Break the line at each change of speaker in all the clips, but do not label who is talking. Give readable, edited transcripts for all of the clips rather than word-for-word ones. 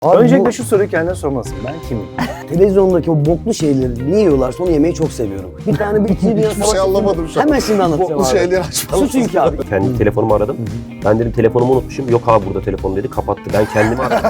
Abi
Öncelikle şu soruyu kendine sormalısın. Ben kimim?
Televizyondaki o boklu şeyleri niye yiyorlarsa onu yemeyi çok seviyorum. Bir tane bir iki dünya
Hiçbir şey anlamadım şu an.
Hemen şimdi anlatacağım
Boklu
abi.
şeyleri açma.
Şu çünkü abi.
Kendi telefonumu aradım. Ben dedim telefonumu unutmuşum. Yok abi burada telefon dedi. Kapattı. Ben kendimi aradım.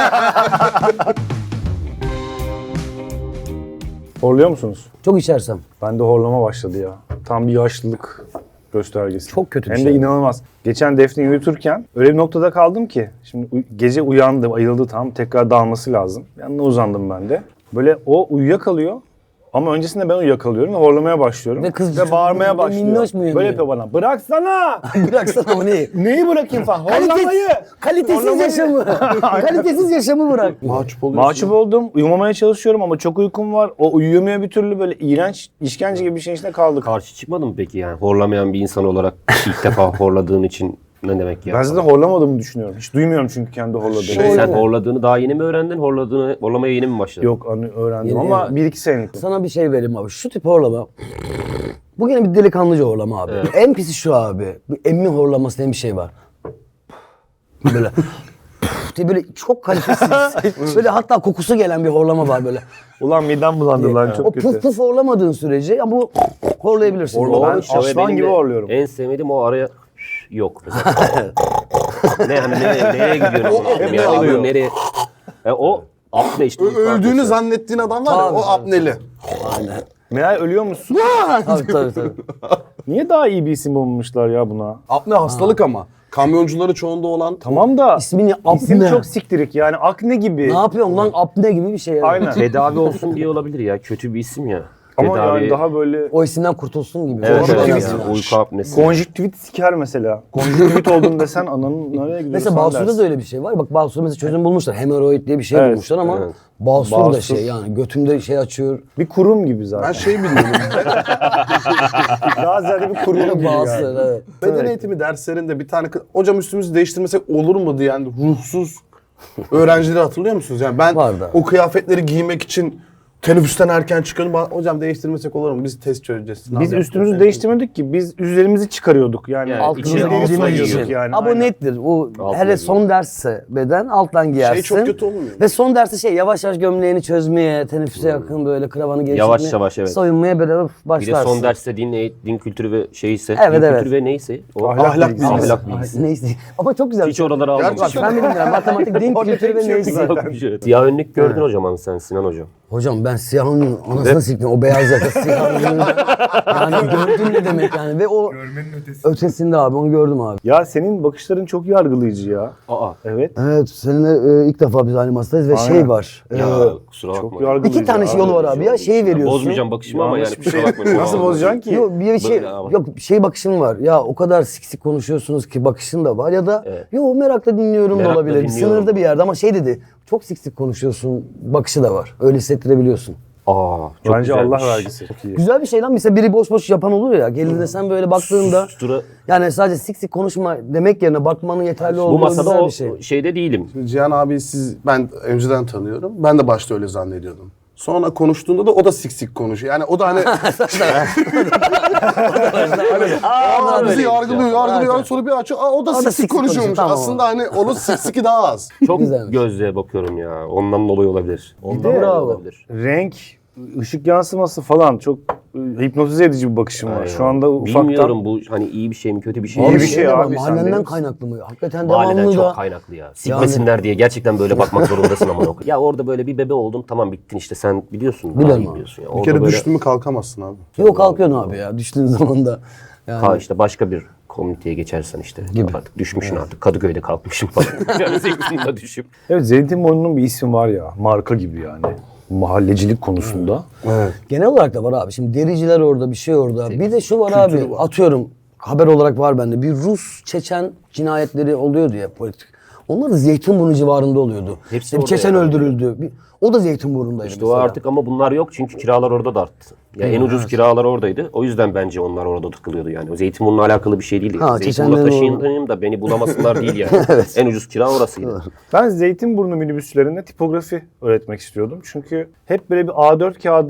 Horluyor musunuz?
Çok içersem.
Bende horlama başladı ya. Tam bir yaşlılık göstergesi.
Çok kötü bir
Hem
şey.
de inanılmaz. Geçen Defne'yi uyuturken öyle bir noktada kaldım ki. Şimdi gece uyandı, ayıldı tam. Tekrar dalması lazım. Yanına uzandım ben de. Böyle o uyuyakalıyor. Ama öncesinde ben uyuyakalıyorum ve horlamaya başlıyorum.
Ve kız
ve bağırmaya başlıyor.
minnoş mu uyanıyor?
Böyle yapıyor bana. Bıraksana!
Bıraksana o neyi?
Neyi bırakayım falan? Horlamayı!
Kalitesiz
Horlamayı.
yaşamı. Kalitesiz yaşamı bırak.
Mahcup oluyorsun.
Mahcup oldum. Uyumamaya çalışıyorum ama çok uykum var. O uyuyamıyor bir türlü, böyle iğrenç, işkence gibi bir şeyin içinde kaldık.
Karşı çıkmadın mı peki yani? Horlamayan bir insan olarak ilk defa horladığın için ne demek ya?
Ben zaten horlamadığımı düşünüyorum. Hiç duymuyorum çünkü kendi horladığımı.
Sen horladığını daha yeni mi öğrendin? Horlamaya yeni mi başladın?
Yok öğrendim
Yeni
ama
öğrendim.
1-2 senelik.
Sana bir şey vereyim abi. Şu tip horlama. Bu yine bir delikanlıca horlama abi. En pisi şu abi. Bir emmi horlaması diye bir şey var. Böyle diye böyle çok kalitesiz. Böyle hatta kokusu gelen bir horlama var böyle.
Ulan midem bulandı lan
O
çok kötü.
puf puf horlamadığın sürece ya bu horlayabilirsin.
Ben
işte ve
aslan
benim
gibi
de
horluyorum.
En sevmediğim o araya yok. Mesela. Nereye gidiyorsun?
hep
Ya,
alıyor.
nereye? O apne işte.
Öldüğünü zannettiğin adam var ya,
Tabii,
o
tabii.
apneli.
Aynen.
Meğer ölüyor musun?
Tabii.
Niye daha iyi bir isim bulmuşlar ya buna?
Apne hastalık ama. Kamyoncuları çoğunda olan.
Tamam da
İsmini
isim
apne.
çok siktirik yani akne gibi.
Ne yapıyorsun lan apne gibi bir şey yani.
Aynen.
Tedavi olsun diye olabilir ya. Kötü bir isim ya.
Ama
Tedavi...
yani daha böyle
O isimden kurtulsun gibi.
Evet,
Doğru
evet,
aslında.
yani uyku apnesi.
konjüktivit siker mesela. Konjüktivit oldun desen ananın nereye gidiyorsun
Mesela Basur'da da öyle bir şey var. Bak Basur'da mesela çözüm bulmuşlar. Hemoroid diye bir şey
Evet,
bulmuşlar ama
evet.
Basur da
Basur.
şey yani götümde şey açıyor.
bir kurum gibi zaten.
Ben şey bilmiyorum.
Daha ziyade bir kurum gibi
Basur
yani.
evet.
Beden eğitimi derslerinde bir tane hocam üstümüzü değiştirmesek olur mu diyen ruhsuz öğrencileri hatırlıyor musunuz? Yani ben
Vardı.
o kıyafetleri giymek için teneffüsten erken çıkıyordum. Hocam değiştirmesek olur mu? Biz test çözeceğiz. sınav
Biz
yapacağız."
üstümüzü değiştirmedik ki, biz üzerimizi çıkarıyorduk yani.
Yani
Altımızı
içine
deri
altına
sayıyorduk
giyiyorduk.
yani.
Ama
aynen.
nettir. O
Altına
hele
giyiyor.
son dersse beden alttan giyersin.
çok kötü olmuyor mu?
Ve son derste şey yavaş yavaş gömleğini çözmeye, teneffüse yakın böyle kravanı gevşetmeye.
Yavaş yavaş, evet.
Soyunmaya böyle
Bir de
başlarsın.
son derste din kültürü ve şeyse.
Evet,
din
evet.
kültürü ve neyse. O
Ahlak bilgisi.
Ahlak bilgisi.
Neyse. Ama çok güzel.
Hiç oraları
Gerçi
almamış.
Bak ben bilmiyorum. Matematik, din kültürü ve neyse.
Siyah önlük gördün hocam sen Sinan hocam.
Hocam ben siyahın anasını siktim. O beyaz yaka siyahın. Yani gördün ne demek yani. Ve o ötesinde abi onu gördüm abi.
Ya senin bakışların çok yargılayıcı ya.
Aa.
Evet.
Evet seninle ilk defa biz aynı masadayız ve
Aynen.
şey var.
Ya kusura bakma.
Çok yargılayıcı.
İki tane yolu var abi ya. Şeyi veriyorsun.
Bozmayacağım bakışımı ama yani
Yanlış bir
kusura
şey.
bakmayın.
Nasıl bozacaksın ki?
Yok bir şey
Böyle ama.
yok şey bakışın var. Ya o kadar sik konuşuyorsunuz ki bakışın da var ya da
Evet.
yo merakla dinliyorum da
Merakla
olabilir.
dinliyorum.
Sınırda bir yerde ama şey dedi. Çok sik konuşuyorsun bakışı da var. Öyle hissettirebiliyorsun.
Aa, çok
Bence
güzelmiş.
Allah vergisi. Çok iyi.
Güzel bir şey lan. Mesela biri boş boş yapan olur ya. Geldiğinde sen böyle baktığında
Sustura.
yani sadece sik konuşma demek yerine bakmanın yeterli
Bu
olduğu
masada
güzel
o
bir şey.
şeyde değilim.
Cihan abi ben önceden tanıyorum. Ben de başta öyle zannediyordum. Sonra konuştuğunda da o da sik konuşuyor. Yani o da hani bizi yargılıyor. Sonra bir açıyor. O da sik
sik
konuşuyormuş.
konuşuyor, tamam.
Aslında hani onun siki daha az.
Çok
Güzelmiş.
gözlüğe bakıyorum ya. Ondan dolayı olabilir. Ondan
de-
dolayı
Bravo.
olabilir.
Renk, ışık yansıması falan çok hipnotize edici bir bakışım var.
Aynen.
Şu anda ufaktan...
Bilmiyorum bu hani iyi bir şey mi kötü bir şey
İyi
mi?
bir şey
de var,
abi, sen
mahallenden
de-
kaynaklı mı? Hakikaten
Mahalleden
devamlı
çok
da.
kaynaklı ya. Sikmesinler diye gerçekten böyle bakmak zorundasın ama. Ya orada böyle bir bebe oldun tamam bittin işte sen biliyorsun. daha
Biliyorum
iyi
abi.
biliyorsun ya.
Bir
Orada
kere
böyle,
düştü mü kalkamazsın abi.
Yok kalkıyorsun abi ya düştüğün zaman da. Yani.
işte başka bir komüniteye geçersen işte.
Gibi.
Artık düşmüşsün artık. Kadıköy'de kalkmışım falan. Yani zeytinle düşüp.
Evet, Zeytinburnu'nun bir ismi var ya, marka gibi yani. Mahallecilik konusunda.
Evet.
Genel olarak da var abi. Şimdi dericiler orada, bir şey orada. Bir de şu var abi. Atıyorum haber olarak var bende. Bir Rus Çeçen cinayetleri oluyordu ya politik. Onlar da Zeytinburnu civarında oluyordu.
Hepsi
İşte bir
orada
Çeçen
yani.
öldürüldü. O da Zeytinburnu'ndaydı
İşte o
mesela.
artık ama bunlar yok çünkü kiralar orada da arttı. Ya en ucuz kiralar oradaydı. O yüzden bence onlar orada tıkılıyordu yani. O Zeytinburnu'na alakalı bir şey değil.
Ha,
Zeytinburnu'na
Çeçenlerin
taşıyayım da beni bulamasınlar değil yani. En ucuz kira orasıydı.
Ben Zeytinburnu minibüslerinde tipografi öğretmek istiyordum. Çünkü hep böyle bir A4 kağıda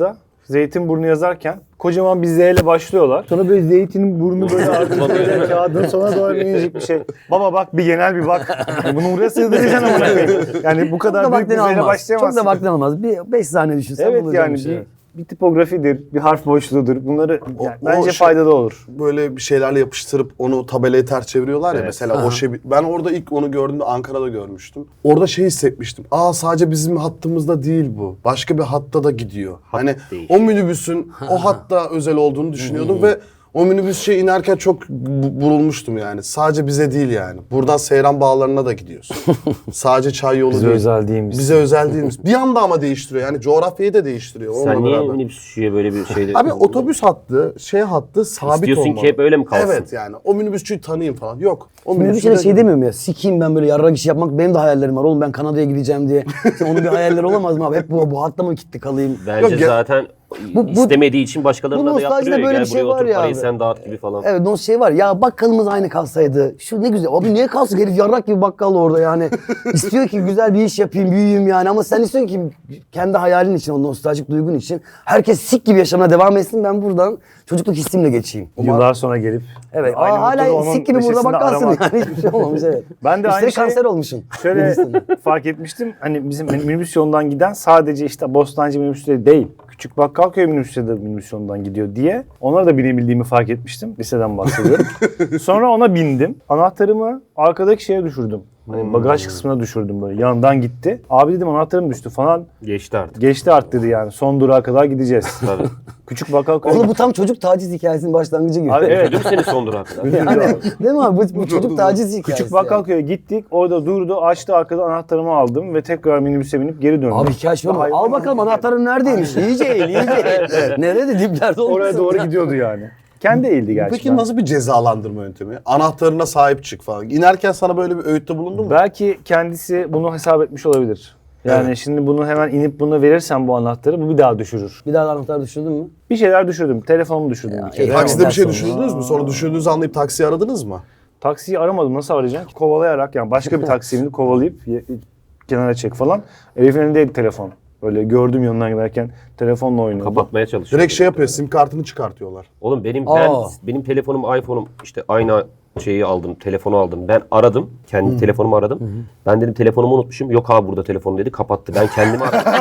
Zeytinburnu yazarken kocaman bir Z ile başlıyorlar. Sonra böyle zeytinin burnu böyle artık böyle kağıdın sona doğru minicik bir şey. Baba bak bir genel bir bak. Bunu buraya sığdıracaksın ama. Yani bu kadar büyük bir Z ile başlayamazsın.
Çok da vaktin almaz. Bir 5 saniye düşünsen
Evet
bulacağım
yani
bir şey.
bir tipografidir, bir harf boşluğudur. Bunları yani
O
bence
şey-
faydalı olur.
Böyle bir şeylerle yapıştırıp onu tabelayı ters çeviriyorlar ya
Evet.
mesela o şey. Ben orada ilk onu gördüğümde Ankara'da görmüştüm. Orada şey hissetmiştim. Sadece bizim hattımızda değil bu. Başka bir hatta da gidiyor. Hani
değil.
o minibüsün o hatta özel olduğunu düşünüyordum ve o minibüs inerken çok burulmuştum yani. Sadece bize değil yani. Buradan Seyran Bağları'na da gidiyorsun. Sadece çay yolu
Bize
değil.
özel değilmiş.
Bize özel değilmiş. Bir anda ama değiştiriyor. Yani coğrafyayı da değiştiriyor.
Sen
onunla
niye
beraber.
minibüsçüye böyle bir şeyde...
Abi otobüs hattı, hattı sabit
İstiyorsun
olmalı.
ki hep öyle mi kalsın?
Evet yani. O minibüsçüyü tanıyayım falan. Yok. O
Minibüsçüde
minibüsçüde-
şey demiyorum ya. Sikiyim ben böyle yarrak işi yapmak. Benim de hayallerim var. Oğlum ben Kanada'ya gideceğim diye. Onun bir hayalleri olamaz mı abi? Hep bu hatta mı kilitli kalayım?
Bence
Yok ya-
zaten
Bu-
istemediği için başkalarına
bu
da yaptırıyor.
nostaljide böyle
Gel
bir şey
buraya
var
otur
ya
parayı
abi.
sen dağıt gibi falan.
Evet o şey var ya bakkalımız aynı kalsaydı. Şu ne güzel. Abi niye kalsın herif yarrak gibi bakkal orada yani. İstiyor ki güzel bir iş yapayım büyüyeyim yani. Ama sen istiyorsun ki kendi hayalin için o nostaljik duygun için. Herkes sik gibi yaşamına devam etsin. Ben buradan çocukluk hissimle geçeyim.
Yıllar sonra gelip
Evet.
aynı noktada
Hala
onun
sik gibi burada
neşesini
bakkalsın
aramak.
yani. Hiçbir şey olmamış evet.
Ben de
Üstelik
aynı şey-
kanser olmuşsun.
Şöyle fark etmiştim. Hani bizim minibüs yolundan giden sadece işte Bostancı minibüsleri değil. Küçük Bakkalköy minibüsleri de minibüs yolundan gidiyor diye. Onlara da binebildiğimi fark etmiştim. Liseden bahsediyorum. Sonra ona bindim. Anahtarımı arkadaki şeye düşürdüm. Hani bagaj kısmına düşürdüm böyle. Yandan gitti. Abi dedim anahtarım düştü falan.
Geçti artık.
Geçti artık dedi yani. Son durağa kadar gideceğiz.
Tabii.
Küçük Bakkalköy.
Oğlum bu tam çocuk taciz hikayesinin başlangıcı gibi.
Abi evet.
Ödüm seni son durağa kadar.
Yani, değil mi abi? Bu çocuk taciz hikayesi.
Küçük Bakkalköy'e gittik. Orada durdu. Açtı arkada anahtarımı aldım ve tekrar minibüse binip geri döndüm.
Abi hikaye şu mu?
Hayvan
Al bakalım anahtarın neredeymiş? İyice eğil, iyice eğil. Nerede diplerde olmasın?
Oraya doğru
ya.
gidiyordu yani. Kendi eğildi gerçekten.
Peki nasıl bir cezalandırma yöntemi? Anahtarına sahip çık falan. İnerken sana böyle bir öğütte bulundu mu?
Belki kendisi bunu hesap etmiş olabilir. Yani
Evet.
şimdi bunu hemen inip bunu verirsen bu anahtarı bu bir daha düşürür.
Bir daha da anahtar düşürdün mü?
Bir şeyler düşürdüm. Telefonumu düşürdüm bir kere.
iyi.
Takside bir şey
Ondan
düşündünüz mü? Sonra düşündüğünüzü anlayıp taksiyi aradınız mı?
Taksiyi aramadım. Nasıl arayacaksın? Kovalayarak yani başka bir taksini kovalayıp kenara çek falan. Elif'in elindeydi telefon. Böyle gördüm yanından giderken telefonla oynuyordu.
Kapatmaya çalışıyor.
Direkt şey yapıyor, sim kartını çıkartıyorlar.
Oğlum benim
Aa.
benim telefonum iPhone'um işte aynı şeyi aldım, telefonu aldım. Ben aradım, kendi telefonumu aradım. Ben dedim telefonumu unutmuşum. Yok abi burada telefon dedi, kapattı. Ben kendimi aradım.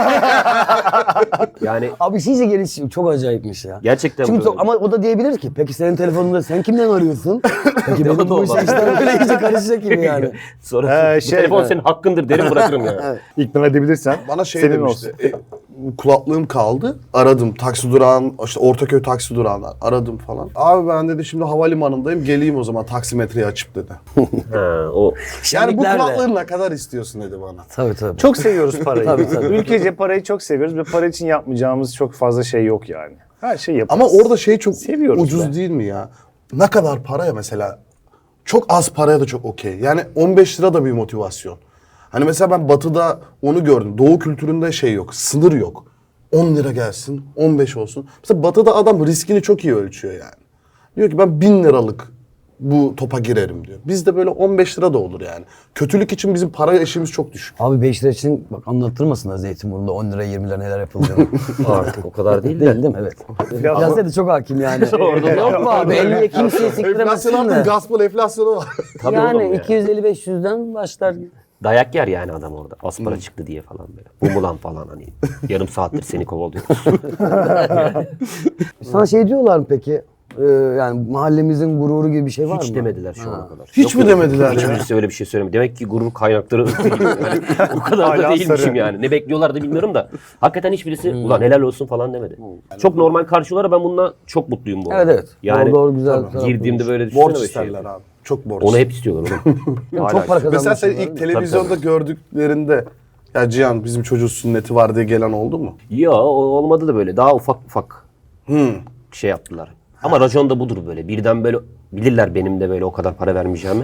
Yani
Abi iyice geliş çok acayipmiş ya.
gerçekten
Çünkü
böyle.
ama o da diyebilir ki peki senin telefonunda sen kimden arıyorsun? Peki
O
benim
da
bu işe
olmaz.
işler böyle iyice karışacak gibi yani.
Sonra bu
şey,
telefon
evet.
senin hakkındır derim bırakırım yani.
İkna edebilirsen
Bana şey
senin
demişti.
olsun.
Kulaklığım kaldı. Aradım taksi durağın, işte Ortaköy taksi durağından aradım falan. Abi ben dedi şimdi havalimanındayım. Geleyim o zaman taksimetreyi açıp dedi.
Ha, o
Yani bu
Şenliklerle.
kulaklığı ne kadar istiyorsun dedi bana.
Tabii tabii.
Çok seviyoruz parayı.
Tabii, tabii.
Ülkece parayı çok seviyoruz ve para için yapmayacağımız çok fazla şey yok yani. Her şey yaparız.
Ama orada şey çok
Seviyoruz
ucuz
be.
değil mi ya? Ne kadar paraya mesela? Çok az paraya da çok okey. Yani 15 lira da bir motivasyon. Hani mesela ben Batı'da onu gördüm. Doğu kültüründe şey yok, sınır yok. 10 lira gelsin, 15 olsun. Mesela Batı'da adam riskini çok iyi ölçüyor yani. Diyor ki ben 1000 liralık bu topa girerim diyor. Bizde böyle 15 lira da olur yani. Kötülük için bizim para eşiğimiz çok düşük.
Abi 5 lira için bak anlattırmasınlar Zeytinburnu'nda 10 lira 20 lira neler yapıldığını.
artık o kadar değil
Değil
de.
değil mi? Evet. Piyasaya da çok hakim yani.
Orada
Yok mu abi? 50'ye kimseye
Enflasyon
siktiremezsin
artık
de.
gaspol enflasyonu var.
Tabii oğlum
Yani
ya.
250-500'den başlar.
Dayak yer yani adam orada. Az para çıktı diye falan böyle. Bu mu lan falan hani. Yarım saattir seni kovalıyor.
Sana şey diyorlar mı peki? Yani mahallemizin gururu gibi bir şey var mı?
Hiç demediler şu ana kadar.
Hiç mi demediler ya?
Hiçbirisi öyle bir şey söylemedi. Demek ki gurur kaynakları yani o kadar da
Hala
değilmişim
sarı.
yani. Ne bekliyorlar da bilmiyorum da. Hakikaten hiçbirisi ulan helal olsun falan demedi. Çok normal karşılara ben bununla çok mutluyum bu arada.
Evet evet.
Yani
doğru güzel. taraf
girdiğimde
bulmuş.
böyle düşünsene
Borç
böyle
isterler
şey.
abi. Çok borç.
Onu hep istiyorlar oğlum. Hala
Çok para
istiyor.
Mesela sen
kazanmışsın.
ilk televizyonda gördüklerinde ya Cihan bizim çocuğun sünneti var diye gelen oldu mu?
Ya olmadı da böyle. Daha ufak ufak şey yaptılar. Ama racon da budur böyle. Birden böyle bilirler benim de böyle o kadar para vermeyeceğimi.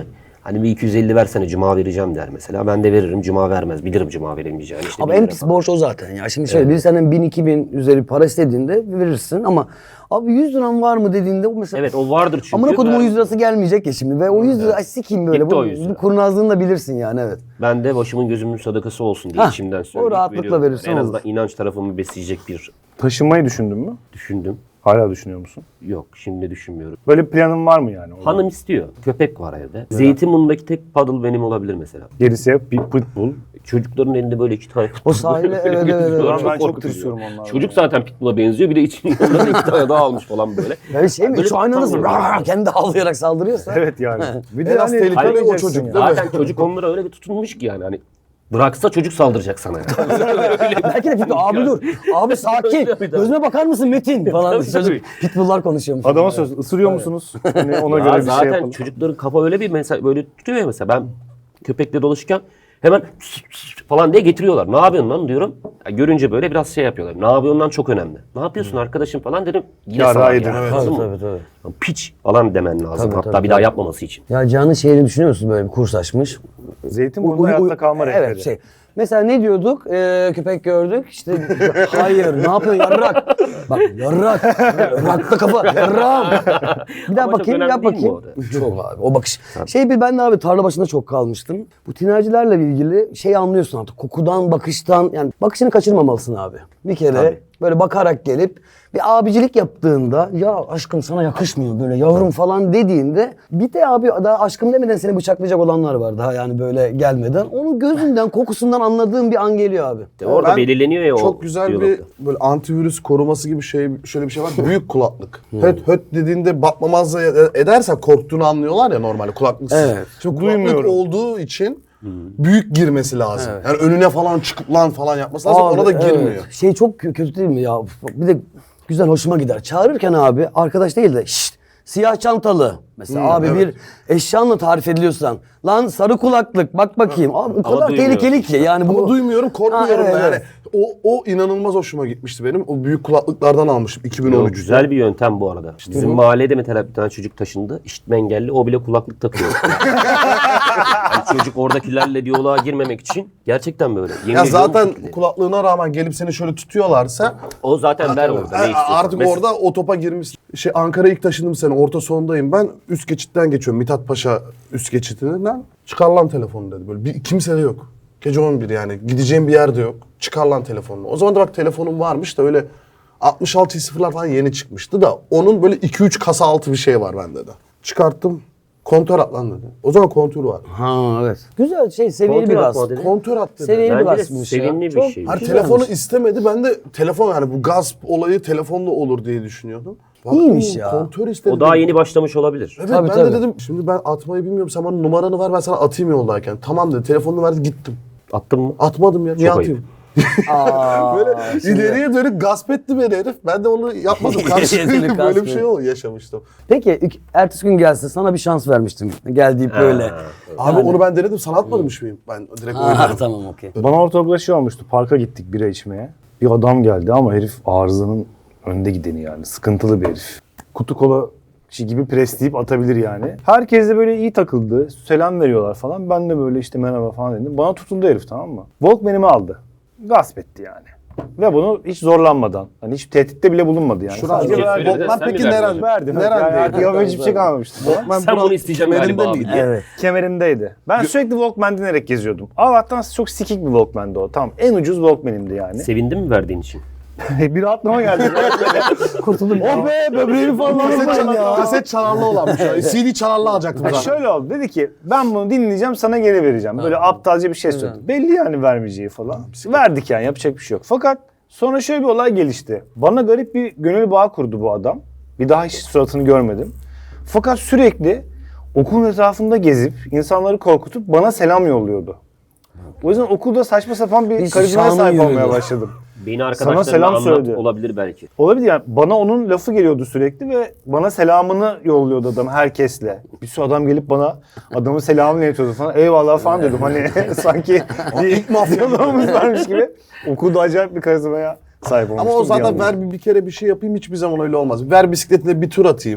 Hani bir 250 versene cuma vereceğim der mesela. Ben de veririm, cuma vermez. Bilirim cuma veremeyeceğini. İşte
Ama
1
en
lira
pis
falan.
borç o zaten ya. Şimdi şöyle biri senden 1000-2000 üzeri para istediğinde verirsin ama abi 100 liram var mı dediğinde o mesela
Evet o vardır çünkü.
amına kodum o
Ben-
100 lirası gelmeyecek ya şimdi ve o 100 lira ay sikeyim böyle
Gitti
bu,
o 100 lira.
bu kurnazlığını da bilirsin yani evet.
Ben de başımın gözümün sadakası olsun diye
Hah,
içimden
o
söyleyip
rahatlıkla
veriyorum.
verirsen
En azından
olur.
inanç tarafımı besleyecek bir
Taşınmayı düşündün mü?
düşündüm.
Hala düşünüyor musun?
Yok şimdi düşünmüyorum.
Böyle bir planın var mı yani?
Hanım istiyor. Köpek var evde. Zeytinburnu'ndaki tek paddle benim olabilir mesela.
Gerisi hep bir pitbull.
Çocukların elinde böyle 2 tane
O sahile evet evet.
Ulan
evet.
ben çok
korkutucu.
tırsıyorum onlardan.
Çocuk zaten pitbull'a benziyor. Bir de içinde 2 tane daha almış falan böyle.
Yani şey mi?
Böyle
Şu aynı nasıl
tutamıyorum.
kendi havlayarak saldırıyorsa.
Evet yani. Bir
En az tehlikeli o
almayacaksın
çocuk
ya.
değil mi?
Zaten çocuk onlara öyle bir tutunmuş ki yani hani bıraksa çocuk saldıracak sana yani.
Belki de pitbull abi dur. Abi sakin.
Tabii, tabii.
Gözüme bakar mısın Metin falan.
Tabii,
Çocuk
tabii.
pitbull'lar konuşuyormuş.
Adama söz ısırıyor musunuz? Hani ona
Ya
göre bir şey
zaten
yapalım.
çocukların kafa öyle bir mesela böyle tutuyor ya mesela ben köpekle dolaşırken hemen falan diye getiriyorlar. Ne yapıyorsun lan diyorum. Ya görünce böyle biraz şey yapıyorlar. Ne yapıyorsun lan çok önemli. Ne yapıyorsun arkadaşım falan dedim. Yine
Ya,
salak
rahat
yani,
edin,
anladın
Tabii
mı?
tabii tabii.
Ya piç falan demen lazım.
Tabii,
Hatta
tabii,
bir daha
tabii.
yapmaması için.
Ya Can'ın şeyini düşünüyor musun böyle bir kurs açmış?
Zeytinburnu'nda hayatta kalma rehberi.
Evet şey. Mesela ne diyorduk? Köpek gördük. İşte hayır ne yapıyorsun yarrak? Bak yarrak. Yarrakta kafa. Yarram. Bir daha
Ama çok
bakayım
önemli
yap
değil mi
bakayım.
o da?
Çok abi o bakış. Şey bir ben de abi tarla başında çok kalmıştım. Bu tinercilerle ilgili şey anlıyorsun artık. Kokudan, bakıştan yani bakışını kaçırmamalısın abi. Bir kere
Tabii.
böyle bakarak gelip bir abicilik yaptığında ya aşkım sana yakışmıyor böyle yavrum falan dediğinde bir de abi daha aşkım demeden seni bıçaklayacak olanlar var daha yani böyle gelmeden. Onun gözünden kokusundan anladığım bir an geliyor abi.
Orada
Ben
belirleniyor ya o
Çok güzel
diyalogda.
bir böyle antivirüs koruması gibi şey şöyle bir şey var. Büyük kulaklık. Höt höt dediğinde bakmamazlık edersen korktuğunu anlıyorlar ya normalde kulaklıksız.
Evet.
Şimdi kulaklık
Duymuyorum.
olduğu için büyük girmesi lazım. Yani önüne falan çıkıp lan falan yapması lazım.
Abi,
Ona da
evet.
girmiyor.
Şey çok kötü değil mi ya? Bir de güzel hoşuma gider. Çağırırken abi arkadaş değil de şşt siyah çantalı. Mesela abi
evet.
bir eşyanla tarif ediliyorsan lan sarı kulaklık bak bakayım. Abi o kadar
duymuyorsun.
tehlikeli ki yani bu.
Ama duymuyorum, korkmuyorum
Ha, evet,
da yani.
evet.
O inanılmaz hoşuma gitmişti benim. O büyük kulaklıklardan almışım
Yo,
2013'te.
güzel bir yöntem bu arada. Bizim mahallede mesela bir tane çocuk taşındı. İşitme engelli. O bile kulaklık takıyor. Yani çocuk oradakilerle diyaloğa girmemek için gerçekten böyle. Yemin
Ya
ediyorum
zaten
bu şekilde.
kulaklığına rağmen gelip seni şöyle tutuyorlarsa
O zaten ver orada. Ne istiyorsan.
artık
Mesela-
orada o topa girmiş. Ankara'ya ilk taşındım sene. Orta sondayım ben. Üst geçitten geçiyorum. Mithat Paşa üst geçitinden. Çıkar lan telefonu dedi. Böyle kimse de yok. Gece 11 yani. Gideceğim bir yerde yok. Çıkar lan telefonunu. O zaman da bak telefonum varmış da öyle 66 sıfırlar falan yeni çıkmıştı da onun böyle 2-3 kasa altı bir şey var bende de. Çıkarttım. Kontör at lan dedi. O zaman kontür var.
Ha evet. Güzel şey seviyeli
Kontrol
bir
atma
bas.
dedi.
Kontör at dedi.
Seviyeli bir
Bence de
basmış ya.
sevimli bir
Çok
şey.
Hani
güzelmiş.
telefonu istemedi. Ben de telefon yani bu gasp olayı telefonla olur diye düşünüyordum. Baktım,
İyiymiş ya.
Kontör istedi.
O daha yeni başlamış olabilir.
Evet
Tabii,
ben
tabii.
de dedim şimdi ben atmayı bilmiyorum. Sen bana numaranı ver ben sana atayım yoldayken. Tamam dedi. Telefonunu verdi gittim.
Attın mı?
Atmadım ya. Niye
Çok
atayım?
Aa,
Böyle
şimdi-
ileriye dönük gasp etti beni herif. Ben de onu yapmadım.
İleriye dönük
Karşılığında
gasp
böyle bir şey
etti.
yaşamıştım.
Peki ertesi gün gelse sana bir şans vermiştim. Gel deyip böyle.
Abi onu ben denedim. Sana atmamış mıyım? Ben direkt
Ha,
oynadım.
tamam okey.
Bana ortaokulda şey olmuştu. Parka gittik bira içmeye. Bir adam geldi ama herif arızanın önde gideni yani. Sıkıntılı bir herif. Kutu kola gibi presleyip atabilir yani. Herkes de böyle iyi takıldı. Selam veriyorlar falan. Ben de böyle işte merhaba falan dedim. Bana tutuldu herif, tamam mı? Walkman'imi aldı. Gasp etti yani. Ve bunu hiç zorlanmadan, hani hiç tehditte bile bulunmadı yani.
Şurada
Sadece
Sen
verdi.
söyledin,
Bokman
sen mi
peki
verdin
nerede?
hocam?
Verdim.
Nerede?
Yani hiçbir şey kalmamıştı.
Sen bunu isteyeceksin galiba abi.
Evet.
Kemerimdeydi. Ben sürekli Walkman dinlerek geziyordum. Allah'tan çok sikik bir Walkman'dı o. Tamam, en ucuz Walkman'imdi yani.
Sevindin mi verdiğin için?
Bir rahatlama geldi.
Kurtuldum.
Oh be, böbreğimi falan
Kaset çalarlı olanmış. CD çalarlı alacaktım zaten.
Şöyle oldu, dedi ki ben bunu dinleyeceğim, sana geri vereceğim. Böyle aptalca bir şey söyledi. Belli yani vermeyeceği falan. Verdik yani, yapacak bir şey yok. Fakat sonra şöyle bir olay gelişti. Bana garip bir gönül bağı kurdu bu adam. Bir daha hiç suratını görmedim. Fakat sürekli okulun etrafında gezip insanları korkutup bana selam yolluyordu. O yüzden okulda saçma sapan bir
Bir
karizmaya
şanı
sahip olmaya
yürüdü.
başladım.
Beni arkadaşlarına
selam
anlat
söyledi.
olabilir belki.
Olabilir yani, bana onun lafı geliyordu sürekli ve bana selamını yolluyordu adam herkesle. Bir sürü adam gelip bana adamın selamını iletiyordu falan. Eyvallah falan diyordum hani sanki bir ilk mafyalığımız varmış gibi. Okulda acayip bir karizmaya sahip olmuştum.
Ama o
bir
zaten
anda.
ver bir kere bir şey yapayım hiçbir zaman öyle olmaz. Ver bisikletine bir tur atayım.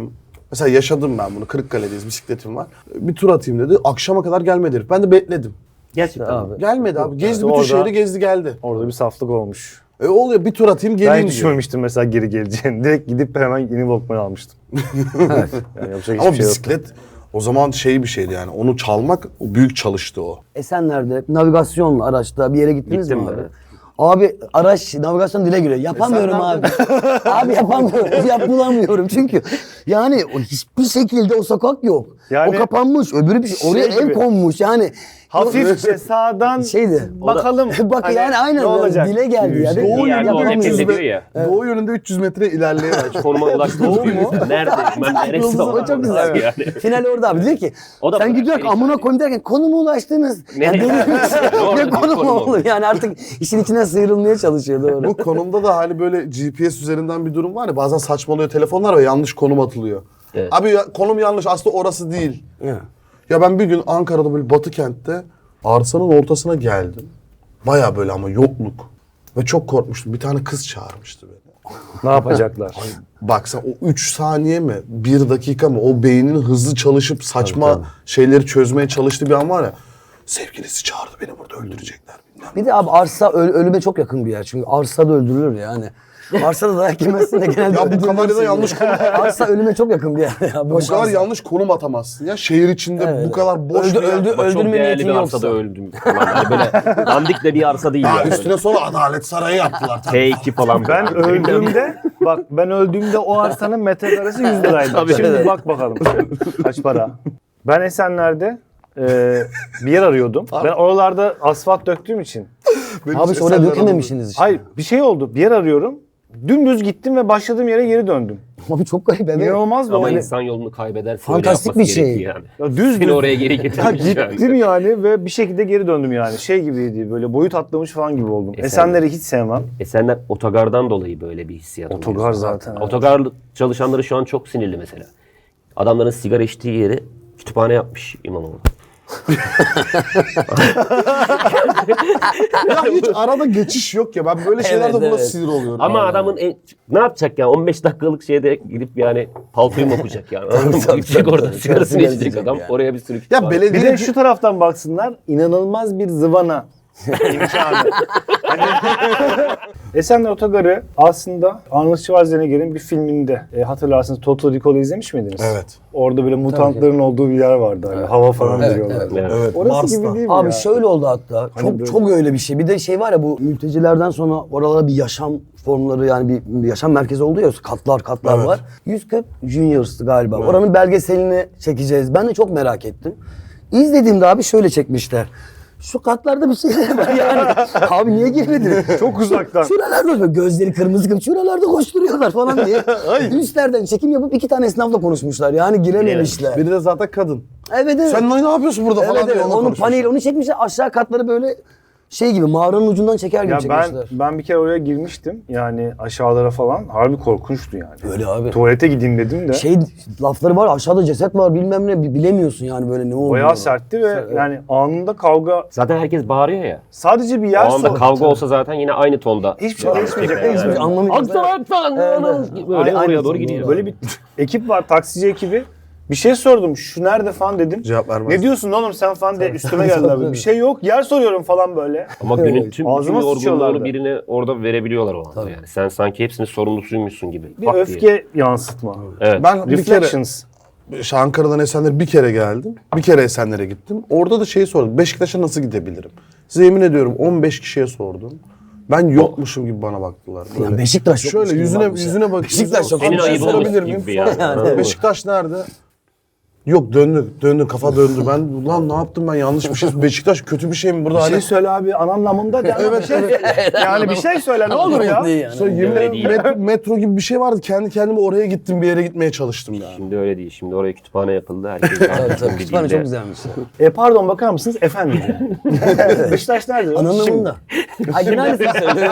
Mesela yaşadım ben bunu. Kırıkkale'deyiz, bisikletim var. Bir tur atayım dedi. Akşama kadar gelmedi herif. Ben de bekledim.
Gerçekten
abi.
Gelmedi abi. Gezdi bütün
Orada-
şehri gezdi geldi.
Orada bir saflık olmuş.
Oluyor bir tur atayım
Ben
geleyim
hiç
diyor.
düşünmemiştim mesela geri geleceğini. Direkt gidip hemen yeni Walkman almıştım. Yani yapacak
Ama
hiçbir şey yok.
bisiklet o zaman bir şeydi yani. Onu çalmak o büyük çalıştı o.
Esenler'de navigasyonla araçta bir yere gittiniz
Gittim
mi abi?
ben.
Abi araç navigasyon dile giriyor. Yapamıyorum abi. Abi yapamıyorum. Bulamıyorum çünkü. Yani hiçbir şekilde o sokak yok.
Yani-
o kapanmış. Öbürü bir şey. Oraya
Şey
ev
gibi.
konmuş. Yani
Hafifçe sağdan
şeydi.
bakalım.
Bak
Hani
yani aynen
ne olacak?
dile geldi ya.
Doğu
Bir yerde o
yönünde
nefret
300
ediyor ya.
Doğu yönünde 300 metre ilerleyemez.
Konuma ulaştığımız gibi. Nerede? Ben neresi
Yıldız o çok güzel.
Yani.
Final orada abi diyor ki
O da
sen
bırak,
gidiyorsun
beni
amına
çağırıyor.
koyayım derken konuma ulaştınız. Yani
Nereye? Doğru,
ne
bir
konum
konum
olur
oldu.
yani artık işin içine sıyrılmaya çalışıyor doğru.
Bu konumda da hani böyle GPS üzerinden bir durum var ya bazen saçmalıyor telefonlar ve yanlış konum atılıyor.
Evet.
Abi konum yanlış aslında orası değil.
Ya.
Ya ben bir gün Ankara'da böyle Batı kentte arsanın ortasına geldim. Baya böyle ama yokluk. Ve çok korkmuştum. Bir tane kız çağırmıştı beni.
Ne yapacaklar?
Bak sen o 3 saniye mi, 1 dakika mı o beynin hızlı çalışıp saçma şeyleri çözmeye çalıştığı bir an var ya. Sevgilisi çağırdı beni burada öldürecekler. Bilmem.
Bir de abi arsa ölüme çok yakın bir yer çünkü arsa da öldürülür yani. Arsada dayak yemezsin de genelde
Ya bu kamerada
öldürülürsün
yanlış konum.
Arsa ölüme çok yakın bir yer ya.
Bu
Boş
kadar
arsa.
yanlış konum atamazsın ya. Şehir içinde bu kadar boş bir yer.
Öldü-
Bak, çok
öldürme
değerli
niyetin
bir
yoksa.
arsada öldüm falan. Yani böyle dandik de bir arsa değil
Ya
yani.
üstüne sonra Adalet Sarayı yaptılar. Tabii.
T2 falan.
Ben öldüğümde ben öldüğümde o arsanın metrekaresi 100 liraydı.
Tabii.
Şimdi
Evet.
bak bakalım kaç para. Ben Esenler'de bir yer arıyordum. Ben oralarda asfalt döktüğüm için.
Benim
Abi işte oraya
Esenler
dökememişsiniz işte.
Hayır bir şey oldu. Bir yer arıyorum. Dümdüz gittim ve başladığım yere geri döndüm.
Abi çok garip evet.
İnanılmaz
Ama
da
insan yolunu kaybederse
Fantastik
öyle yapması
bir şey.
gerekiyor yani.
Ya düz
Seni oraya geri
Ya
getirmiş
gittim yani ve bir şekilde geri döndüm yani. Şey gibiydi böyle boyut atlamış falan gibi oldum. Esenler'i hiç sevmem.
Esenler otogardan dolayı böyle bir hissiyat oluyor.
Otogar zaten. evet.
Otogar çalışanları şu an çok sinirli mesela. Adamların sigara içtiği yeri kütüphane yapmış İmamoğlu.
Ya hiç arada geçiş yok ya. Ben böyle şeylerde
Evet,
buna
evet.
sinir oluyorum.
Ama
Yani.
adamın ne yapacak ya? 15 dakikalık şeyde gidip yani paltoyu mu okuyacak yani?
tabii,
Gidecek
tabii,
orada
tabii.
sigarasını
Sigara
içecek
içecek
adam.
yani.
Oraya bir sürü
Ya
kütüphane.
Bir
belediye
de şu taraftan baksınlar inanılmaz bir zıvana imkanı. Hani Esenler Otogarı aslında Arnold Schwarzenegger'in bir filminde hatırlarsınız Total Recall'ı izlemiş miydiniz?
Evet.
Orada böyle mutantların olduğu bir yer vardı. Hani hava falan veriyorlar.
Evet.
Evet.
Orası
Mars'ta.
gibi değil mi
Abi
ya?
şöyle oldu hatta. Çok
böyle-
çok öyle bir şey. Bir de şey var ya bu mültecilerden sonra oralara bir yaşam formları yani bir yaşam merkezi oldu ya katlar
Evet.
var. 140 Juniors'tı galiba. Oranın belgeselini çekeceğiz. Ben de çok merak ettim. İzlediğimde abi şöyle çekmişler. Şu katlarda bir şeyler var yani. Abi niye girmedin?
Çok uzaktan.
Şuralarda gözleri kırmızı kırmızı şuralarda koşturuyorlar falan diye. Üstlerden çekim yapıp 2 tane esnafla konuşmuşlar. Yani girememişler.
Biri de zaten kadın.
Evet evet.
Sen ne yapıyorsun burada
Evet,
falan diye
evet.
onunla
Onun
konuşmuşlar.
paneli onu çekmişler aşağı katları böyle şey gibi mağaranın ucundan çeker gibi
Ya
çekmişler.
ben bir kere oraya girmiştim. Yani aşağılara falan. Harbi korkunçtu yani.
Öyle abi.
Tuvalete gideyim dedim de.
Şey lafları var aşağıda ceset var bilmem ne bilemiyorsun yani böyle ne olduğunu.
Bayağı sertti ve yani anında kavga.
Zaten herkes bağırıyor ya.
Sadece bir
O
yer
anda
sor.
kavga olsa zaten yine aynı tonda.
Hiçbir şey değişmeyecek.
Hiçbir şey anlamayacağız.
Aksan
Evet.
böyle
Aynen,
oraya doğru
doğru.
gidiyor.
Böyle bir ekip var, taksici ekibi. Bir şey sordum. Şu nerede falan dedim.
Cevap vermez.
Ne diyorsun oğlum sen falan de üstüme geldiler. Bir şey yok. Yer soruyorum falan böyle.
Ama günün tüm
Ağzıma
yorgunluğunu
sıçıyorlardı.
birine orada verebiliyorlar o anda yani. Sen sanki hepsinin sorumlusuymuşsun gibi.
Bir
Bak diye.
öfke yansıtma.
Evet.
Ben bir kere
Reflections.
Ankara'dan Esenler'e bir kere geldim. Bir kere Esenler'e gittim. Orada da şeyi sordum. Beşiktaş'a nasıl gidebilirim? Size yemin ediyorum 15 kişiye sordum. Ben yokmuşum gibi bana baktılar. Böyle.
Yani Beşiktaş yokmuş
Şöyle
gibi
yüzüne
bakmışlar.
yüzüne bak.
Beşiktaş yok.
Senin
Abi,
ayıp
sorabilir
olmuş
miyim?
gibi yani.
Falan.
Anladın mı?
Beşiktaş nerede? Yok döndü kafa döndü. Ben ulan ne yaptım ben yanlış bir şey. Beşiktaş kötü bir şey mi burada?
Bir şey
Hani
söyle abi anlamında de.
Evet,
Bir şey-
evet.
Yani bir şey söyle ne olur ya.
Değil yani.
Sonra yemin
öyle
ederim
değil.
metro gibi bir şey vardı. Kendi kendime oraya gittim bir yere gitmeye çalıştım yani.
Şimdi öyle değil. Şimdi oraya kütüphane yapıldı. Herkes
Evet, tabii. Kütüphane çok güzelmiş.
Pardon bakar mısınız efendim? Beşiktaş nerede?
Anlamında. Ay yine aynısını söylüyor.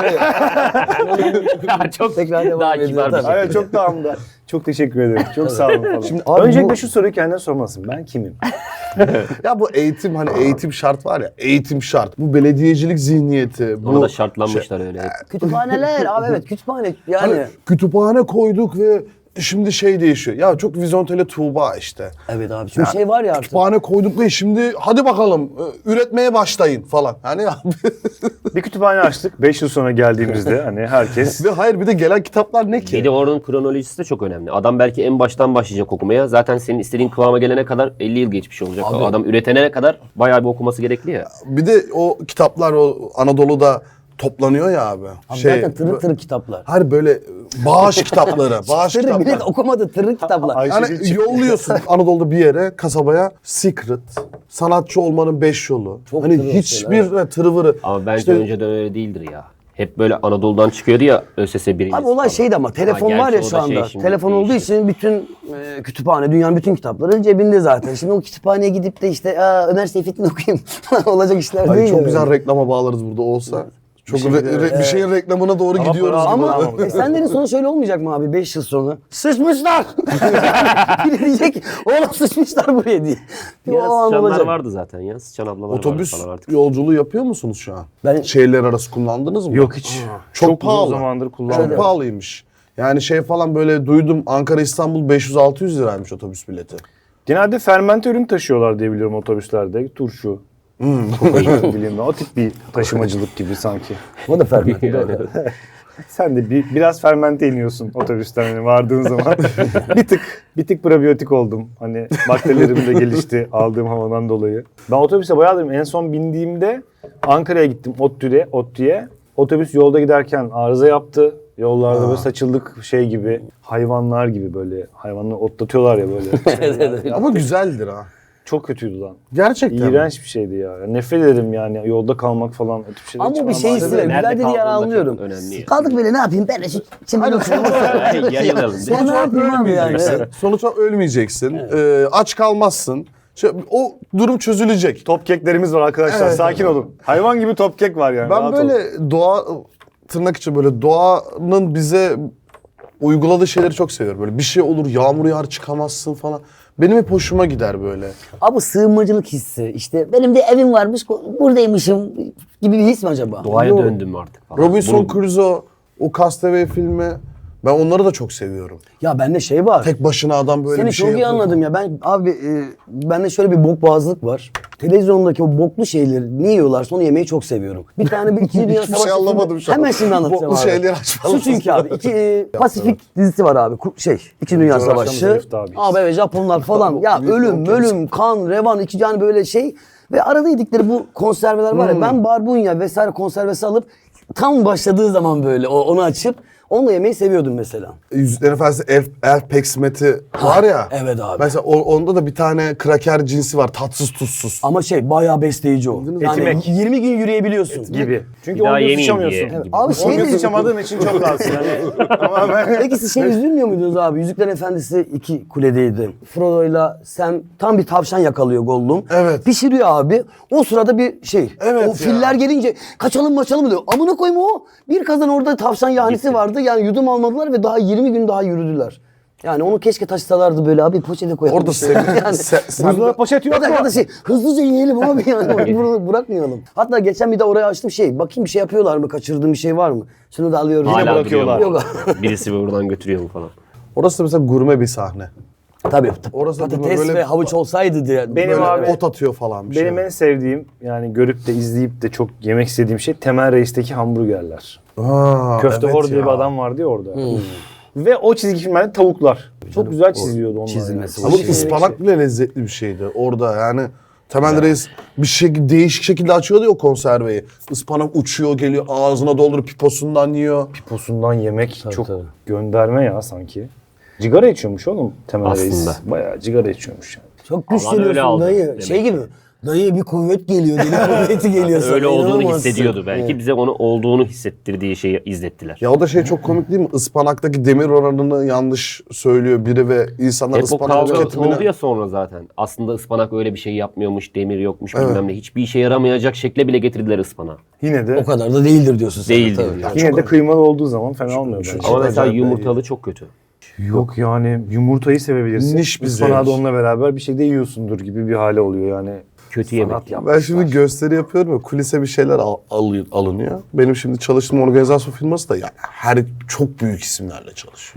Çok
Tekrar devam
daha
ediyor,
kibar bir
tabii.
şey.
Evet çok tamamda. Çok teşekkür ederim. Çok sağ olun falan.
Şimdi
abi
Öncelikle
bu-
şu soruyu kendine sormalısın. Ben kimim?
Ya bu eğitim hani eğitim şart var ya. Eğitim şart. Bu belediyecilik zihniyeti.
Ona
Bu
da şartlanmışlar öyle.
Kütüphaneler abi evet kütüphane yani.
hani kütüphane koyduk ve şimdi şey değişiyor. Ya çok vizontele Tuğba işte.
Evet abi. Çünkü şey var ya artık.
Kütüphane koyduk ve şimdi hadi bakalım üretmeye başlayın falan. Hani abi.
Bir kütüphane açtık 5 yıl sonra geldiğimizde hani herkes
Ve hayır bir de gelen kitaplar ne ki?
Bir de onun kronolojisi de çok önemli. Adam belki en baştan başlayacak okumaya. Zaten senin istediğin kıvama gelene kadar 50 yıl geçmiş olacak.
Abi.
O adam üretene kadar bayağı bir okuması gerekli ya.
Bir de o kitaplar o Anadolu'da toplanıyor ya abi.
Abi zaten tırık tırık kitaplar.
Hayır böyle bağış kitapları. Bağış
Tırık
kitaplar.
millet okumadı tırık kitaplar.
Ay-
Yani yolluyorsun Anadolu'da bir yere, kasabaya Secret, sanatçı olmanın 5 yolu.
Çok
hani
tırı
hiçbir tırıvırı.
Ama bence
İşte-
önceden öyle değildir ya. Hep böyle Anadolu'dan çıkıyordu ya ÖSS birincisi
Abi olay
falan.
şeydi ama telefon
Ha,
var ya
gerçi o
şu
da şey
anda.
şimdi
Telefon olduğu
değişti.
için bütün kütüphane, dünyanın bütün kitapları cebinde zaten. Şimdi o kütüphaneye gidip de işte Ömer Seyfettin okuyayım olacak işler
Ay
değil.
çok
yani.
güzel reklama bağlarız burada olsa. Çok bir şeyin reklamına doğru
Ama
gidiyoruz.
para
gibi.
almamak.
Senlerin sonu şöyle olmayacak mı abi 5 yıl sonra? Sıçmışlar! Biri diyecek oğlum sıçmışlar buraya diye.
Ya
O an
sıçanlar
olacak.
vardı zaten ya. Sıçan ablalar
Otobüs
vardı falan artık.
yolculuğu yapıyor musunuz şu an?
Ben-
Şehirler arası kullandınız mı?
yok hiç.
Çok pahalı.
uzun zamandır
Çok
kullanmıyorum.
pahalıymış. Yani şey falan böyle duydum Ankara İstanbul 500-600 liraymış otobüs bileti.
Genelde fermente ürün taşıyorlar diye biliyorum otobüslerde. Turşu, kokain bileyim ben. O tip bir taşımacılık gibi sanki.
O da ferment.
Sen de biraz fermente iniyorsun otobüsten hani vardığın zaman. bir tık probiyotik oldum. Hani bakterilerim de gelişti aldığım havadan dolayı. Ben otobüse bayağıdır en son bindiğimde Ankara'ya gittim ODTÜ'ye. Otobüs yolda giderken arıza yaptı. Yollarda böyle saçıldık şey gibi, hayvanlar gibi böyle. Hayvanları otlatıyorlar ya böyle.
Ama güzeldir ha.
Çok kötüydü lan.
Gerçekten.
İğrenç bir şeydi ya. Nefret ederim yani yolda kalmak falan. O tip şeyler hiç
Ama bir
bana
şey
malzeme
istiyor.
değil.
Güzel dediği yer
kaldığında
anlıyorum.
çok önemli ya.
Kaldık böyle ne yapayım ben de şu çimene oturayım.
Yayılalım.
Ben ne yapayım abi yani?
Sonuçta ölmeyeceksin. Aç kalmazsın. O durum çözülecek.
Top keklerimiz var arkadaşlar.
Evet.
Sakin olun. Hayvan gibi top kek var yani.
Ben
rahat
böyle
olun.
doğa tırnak içi böyle doğanın bize uyguladığı şeyleri çok seviyorum. Böyle bir şey olur yağmur yağar çıkamazsın falan. Benim hep hoşuma gider böyle.
Abi sığınmacılık hissi. İşte benim de evim varmış buradaymışım gibi bir his mi acaba?
Doğaya
Yok.
döndüm artık falan.
Robinson Crusoe, o Castaway filmi. Ben onları da çok seviyorum.
Ya bende şey var.
Tek başına adam böyle
Seni
bir şey
çok iyi
yapıyor.
anladım ya. Ben abi bende şöyle bir bokboğazlık var. Televizyondaki o boklu şeyleri ne yiyorlarsa onu yemeyi çok seviyorum. Bir tane bir İkinci Dünya
Hiçbir
Savaşı
şey
filmi-
anlamadım şu an.
Hemen şimdi anlatacağım
Boklu
abi.
şeyleri açmalısın.
Şu çünkü abi. Pasifik dizisi var abi. İkinci Dünya
Coğrafyamız
Savaşı.
zayıftı abi.
Abi evet Japonlar falan. Ya ölüm, kan, revan, iki yani böyle şey. Ve arada yedikleri bu konserveler var ya. Ben barbunya vesaire konservesi alıp tam başladığı zaman böyle onu açıp onunla yemeyi seviyordum mesela.
Yüzüklerin Efendisi elf peksmeti var ya.
evet abi.
Mesela onda da bir tane kraker cinsi var. Tatsız tuzsuz.
Ama şey bayağı besleyici o. Yani
Etimek.
20 gün yürüyebiliyorsun.
Gibi. Çünkü
Bir daha
10 gün
yemeyeyim
sıçamıyorsun.
diye.
Abi
10
şey
gün
de-
sıçamadığın için çok rahatsın yani. Tamamen.
Peki siz şey üzülmüyor muydunuz abi? Yüzüklerin Efendisi 2 kuledeydi. Frodo'yla Sam tam bir tavşan yakalıyor Gollum.
Evet.
Pişiriyor abi. O sırada bir şey.
Evet
o
ya.
filler gelince kaçalım diyor. Amına koyma o. Bir kazan orada tavşan yahnisi vardı. Yani yudum almadılar ve daha 20 gün daha yürüdüler. Yani onu keşke taşısalardı böyle abi poşete koyalım.
Orada
işte.
sen
Buzdolabı poşeti yok
Ya
mu?
da şey hızlıca yiyelim abi yani bunu bırakmayalım. Hatta geçen bir de oraya açtım bakayım bir şey yapıyorlar mı kaçırdığım bir şey var mı? Şunu da alıyorum.
Yine
Hala
bırakıyorlar.
duruyor mu?
Yok.
Birisi buradan götürüyor mu falan.
Orası da mesela gurme bir sahne.
Tabii.
Orası da
Patates
böyle-
ve havuç olsaydı diye.
Benim
Böyle
abi-
ot atıyor falan bir
Benim
şey.
en sevdiğim yani görüp de izleyip de çok yemek istediğim şey Temel Reis'teki hamburgerler. Köfte
evet
Hor diye
ya.
bir adam vardı ya orada. Ve o çizgi filmlerde tavuklar. Çok güzel çiziliyordu onlar.
çizilmesi
yani.
Ama ıspanak bile lezzetli bir şeydi orada yani. Temel Reis bir şey değişik şekilde açıyordu ya o konserveyi. Ispanak uçuyor geliyor ağzına doldurup piposundan yiyor.
Piposundan yemek çok
tabii.
gönderme ya sanki. Cigara içiyormuş oğlum Temel Reis.
Aslında.
Bayağı cigara içiyormuş yani.
Çok
Alan öyle
güçleniyorsun
aldı
dayı.
demek
Şey
ki.
gibi. Dayı bir kuvvet geliyor. Deli kuvveti geliyor sana.
Öyle olduğunu
inanamazsın.
hissediyordu belki.
Evet.
Bize onu olduğunu hissettirdiği şeyi izlettiler.
Ya o da şey çok komik değil mi? Ispanaktaki demir oranını yanlış söylüyor biri ve insanlar
Hep o
ıspanak
kavga
tüketimine...
oldu ya sonra zaten. Aslında ıspanak öyle bir şey yapmıyormuş, demir yokmuş bilmem ne. Hiçbir işe yaramayacak şekle bile getirdiler ıspanağı.
Yine de
O kadar da değildir diyorsun sen.
Değildir
Tabii.
diyor.
yine de kıymalı olduğu zaman fena olmuyor bence.
Ama mesela
acayip
yumurtalı çok kötü.
Yok yani yumurtayı sevebilirsin.
Niş bir
Ispanağı da
zevk.
onunla beraber bir şey de yiyorsundur gibi bir hale oluyor yani.
Kötü yemek.
Sanat
Ben şimdi gösteri yapıyorum ya kulise bir şeyler alınıyor. Benim şimdi çalıştığım organizasyon firması da yani çok büyük isimlerle çalışıyor.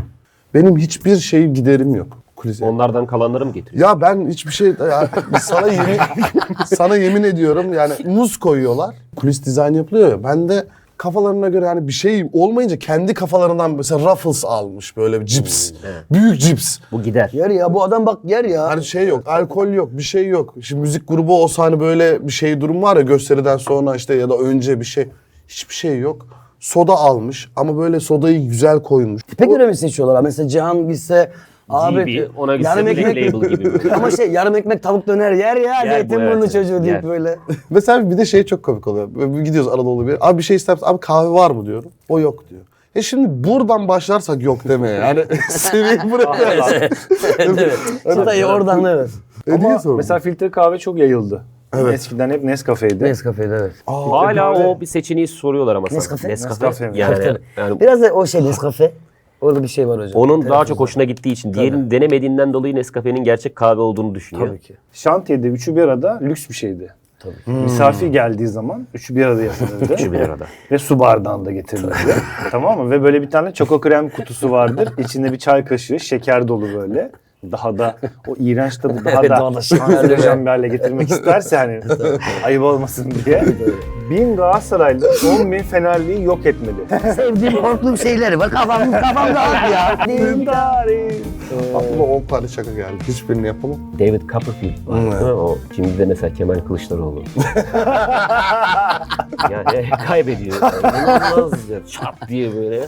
Benim hiçbir şey giderim yok kulise.
Onlardan kalanları mı getiriyor?
Ya ben hiçbir şey ya, sana yemin ediyorum yani muz koyuyorlar. Kulis dizayn yapılıyor ya. Ben de kafalarına göre yani bir şey olmayınca kendi kafalarından mesela Ruffles almış böyle bir cips. Büyük cips.
Bu gider.
Yer ya bu adam bak yer ya.
Hani şey yok, alkol yok, bir şey yok. Şimdi müzik grubu olsa hani böyle bir şey durum var ya gösteriden sonra işte ya da önce bir şey. Hiçbir şey yok. Soda almış ama böyle sodayı güzel koymuş.
Tipe göre mi seçiyorlar? Mesela Cihan gitse abi
GB, ona gitse
yarım
Black
ekmek
Label gibi böyle.
ama şey yarım ekmek tavuk döner yer ya
Yer bu,
Zeytinburnu
evet,
çocuğu deyip
yer.
böyle.
Mesela bir de şey çok komik oluyor. Böyle gidiyoruz Anadolu bir. Abi bir şey ister misin? Abi kahve var mı diyorum. O yok diyor. Şimdi buradan başlarsak yok demeye. Yani seviyeyi bırakıyoruz.
Evet. Çıtayı oradan evet.
Ama
Mesela filtre kahve çok yayıldı. Evet. Eskiden hep Nescafe'ydi.
Nescafe'de evet.
Hala o bir seçeneği soruyorlar ama sana.
Nescafe?
Nescafe mi?
Yani
Biraz da o şey Nescafe. Orada bir şey var hocam.
onun daha çok hoşuna gittiği için, diğerini denemediğinden dolayı Nescafe'nin gerçek kahve olduğunu düşünüyor.
Tabii ki.
Şantiyede üçü bir arada lüks bir şeydi. Misafir geldiği zaman üçü bir arada yapılırdı.
Üçü bir arada.
Ve su bardağında getirilirdi. Tamam mı? Ve böyle bir tane çoko krem kutusu vardır. İçinde bir çay kaşığı, şeker dolu böyle. Daha da o iğrenç tadı daha
Evet,
da
daha da şekerli.
kanserojen bir hale getirmek isterse hani ayıp olmasın diye. 1000 Galatasaraylı 10.000 Fenerli'yi yok etmeli.
Sevdiğim korktuğum şeyleri bak kafam dağıt ya.
aklıma 10 tane şaka geldi. Hiçbirini yapamam.
David Copperfield var değil mi? O şimdi de mesela Kemal Kılıçdaroğlu. Yani kaybediyor. Yani. İnanılmaz ya. Çat diye böyle.